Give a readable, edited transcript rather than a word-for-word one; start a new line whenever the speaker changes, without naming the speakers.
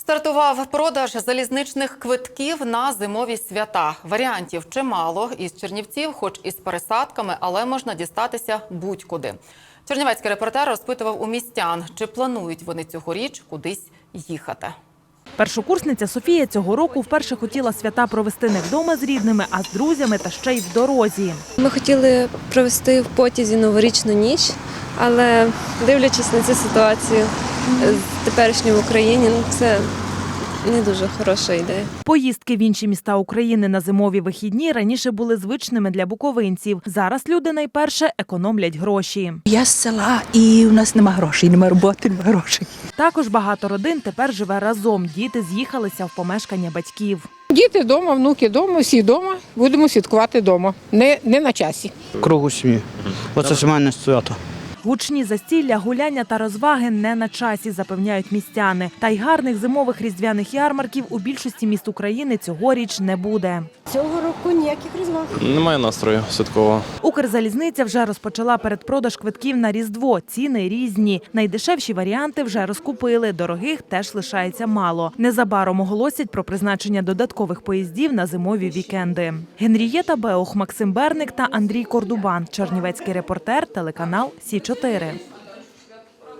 Стартував продаж залізничних квитків на зимові свята. Варіантів чимало. Із Чернівців, хоч і з пересадками, але можна дістатися будь-куди. Чернівецький репортер розпитував у містян, чи планують вони цьогоріч кудись їхати.
Першокурсниця Софія цього року вперше хотіла свята провести не вдома з рідними, а з друзями та ще й в дорозі.
Ми хотіли провести в потязі новорічну ніч, але дивлячись на цю ситуацію теперішню в Україні, це не дуже хороша ідея.
Поїздки в інші міста України на зимові вихідні раніше були звичними для буковинців. Зараз люди найперше економлять гроші.
Я з села, і у нас нема грошей, нема роботи, нема грошей.
Також багато родин тепер живе разом. Діти з'їхалися в помешкання батьків.
Діти вдома, внуки вдома, всі вдома. Будемо святкувати вдома, не на часі.
Кругу сім'ї. Оце сімейне свято.
Гучні застілля, гуляння та розваги не на часі, запевняють містяни. Та й гарних зимових різдвяних ярмарків у більшості міст України цьогоріч не буде.
Цього року ніяких розваг.
Немає настрою святкового.
Укрзалізниця вже розпочала передпродаж квитків на Різдво. Ціни різні. Найдешевші варіанти вже розкупили, дорогих теж лишається мало. Незабаром оголосять про призначення додаткових поїздів на зимові вікенди. Генрієта Беух, Максим Берник та Андрій Кордубан. Чернівецький репортер, телеканал Сі 4.